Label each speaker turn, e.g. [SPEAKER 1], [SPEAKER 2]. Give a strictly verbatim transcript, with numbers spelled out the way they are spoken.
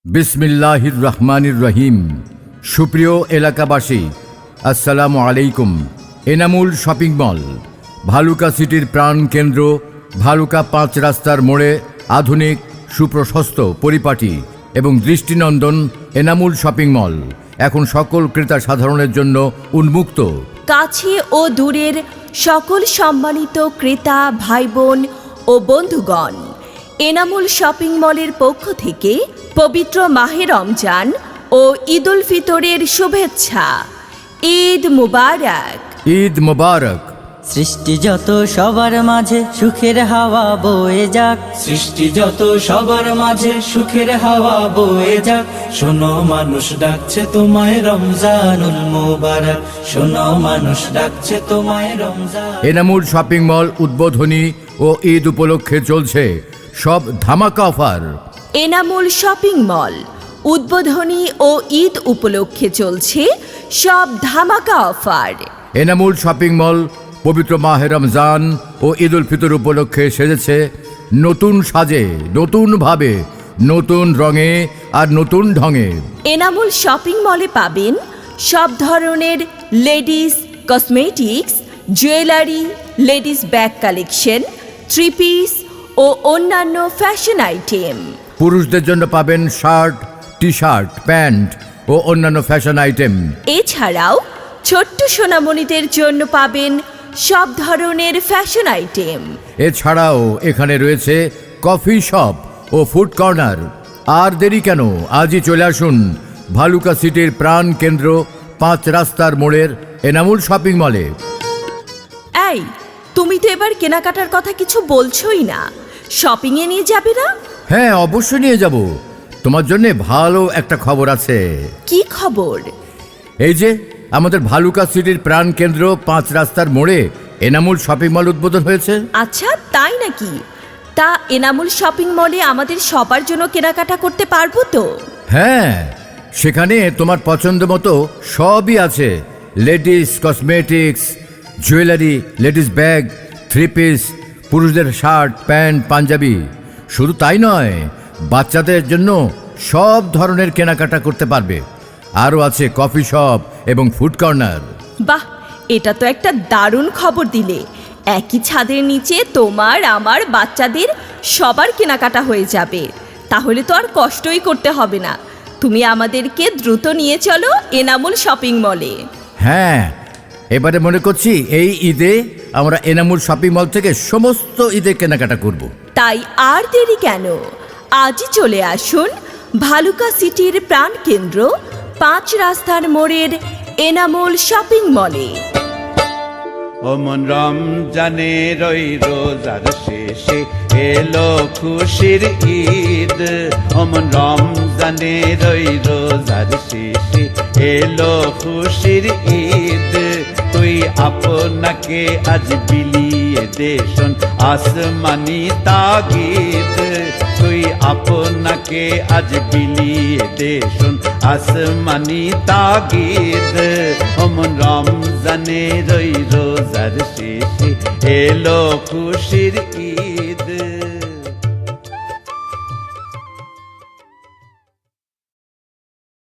[SPEAKER 1] বিসমিল্লাহির রহমানির রহিম। সুপ্রিয় এলাকাবাসী, আসসালামু আলাইকুম। এনামুল শপিং মল ভালুকা সিটির প্রাণ কেন্দ্র, ভালুকা পাঁচ রাস্তার মোড়ে আধুনিক, সুপ্রশস্ত, পরিপাটি এবং দৃষ্টিনন্দন এনামুল শপিং মল এখন সকল ক্রেতা সাধারণের জন্য উন্মুক্ত।
[SPEAKER 2] কাছে ও দূরের সকল সম্মানিত ক্রেতা ভাই বোন ও বন্ধুগণ, এনামুল শপিং মলের পক্ষ থেকে পবিত্র মাহে রমজান ও ঈদ উল ফিতরের শুভেচ্ছা। ঈদ মুবারক।
[SPEAKER 1] ঈদ মুবারক।
[SPEAKER 3] সৃষ্টি যত সবার মাঝে সুখের হাওয়া বয়ে যাক,
[SPEAKER 4] সৃষ্টি যত সবার মাঝে সুখের হাওয়া বয়ে যাক। শোনো মানুষ ডাকছে তোমায় রমজানুল মুবারক, শোনো মানুষ ডাকছে তোমায় রমজান।
[SPEAKER 1] এনামুল শপিং মল উদ্বোধনী ও ঈদ উপলক্ষে চলছে সব ধামাকা অফার।
[SPEAKER 2] এনামুল শপিং মল উদ্বোধনী ও ঈদ উপলক্ষে চলছে সব ধামাকা অফার।
[SPEAKER 1] এনামুল শপিং মল পবিত্র মাহে রমজান ও ঈদ উল ফিতর উপলক্ষে সেজেছে নতুন সাজে, নতুনভাবে, নতুন রঙে আর নতুন ঢঙে।
[SPEAKER 2] এনামুল শপিং মলে পাবেন সব ধরনের ladies cosmetics, jewellery, ladies bag collection, three piece ও অন্যান্য ফ্যাশন আইটেম।
[SPEAKER 1] পুরুষদের জন্য পাবেন শার্ট, টি শার্ট, প্যান্ট ও অন্যান্য ফ্যাশন আইটেম।
[SPEAKER 2] এছাড়াও ছোট্ট সোনামণিদের জন্য পাবেন সব ধরনের ফ্যাশন আইটেম।
[SPEAKER 1] এছাড়াও এখানে রয়েছে কফি শপ ও ফুড কর্নার। আর দেরি কেন, আজই চলে আসুন ভালুকা সিটির প্রাণ কেন্দ্র, পাঁচ রাস্তার মোড়ের এনামুল শপিং মলে।
[SPEAKER 2] এই, তুমি তো এবার কেনাকাটার কথা কিছু বলছোই না, শপিংয়ে নিয়ে যাবে না?
[SPEAKER 1] হ্যাঁ, অবশ্যই নিয়ে যাব। তোমার জন্য ভালো একটা খবর আছে।
[SPEAKER 2] কি খবর?
[SPEAKER 1] এই যে আমাদের ভালুকা সিটির প্রাণ কেন্দ্র, পাঁচ রাস্তার মোড়ে এনামুল শপিং মল উদ্বোধন হয়েছে।
[SPEAKER 2] আচ্ছা, তাই নাকি? তা এনামুল শপিং মলে আমাদের সবার জন্য কেনাকাটা করতে পারবো তো?
[SPEAKER 1] হ্যাঁ, সেখানে তোমার পছন্দ মতো সবই আছে। Ladies cosmetics, jewellery, ladies bag, three piece, পুরুষদের শার্ট, প্যান্ট, পাঞ্জাবি। শুধু তাই নয়, বাচ্চাদের জন্য সব ধরনের কেনাকাটা করতে পারবে। আরও আছে কফি শপ এবং ফুড কর্নার।
[SPEAKER 2] বাহ, এটা তো একটা দারুণ খবর দিলে। একই ছাদের নিচে তোমার, আমার, বাচ্চাদের সবার কেনাকাটা হয়ে যাবে। তাহলে তো আর কষ্টই করতে হবে না। তুমি আমাদেরকে দ্রুত নিয়ে চলো এনামুল শপিং মলে।
[SPEAKER 1] হ্যাঁ, এবারে মনে করছি এই ঈদে আমরা এনামুল শপিং মল থেকে সমস্ত ঈদে কেনাকাটা করব।
[SPEAKER 2] তাই আর দেরি কেন, আজই চলে আসুন ভালুকা সিটির প্রাণ কেন্দ্র, পাঁচ রাস্তার মোড়ের এনামুল শপিং মলে।
[SPEAKER 5] ওমন রমজানের ওই রোজার শেষে এলো খুশির ঈদ, ওমন রমজানের ওই রোজার শেষে এলো খুশির ঈদ। তুই আপনাকে আজ বিলিয়ে দেশন আসমানি তাগিদ, তুই আপনাকে আজ বিলিয়ে দেশন আসমানি তাগিদ। ওমন রমজানের ওই রোজার শেষে এলো খুশির ঈদ।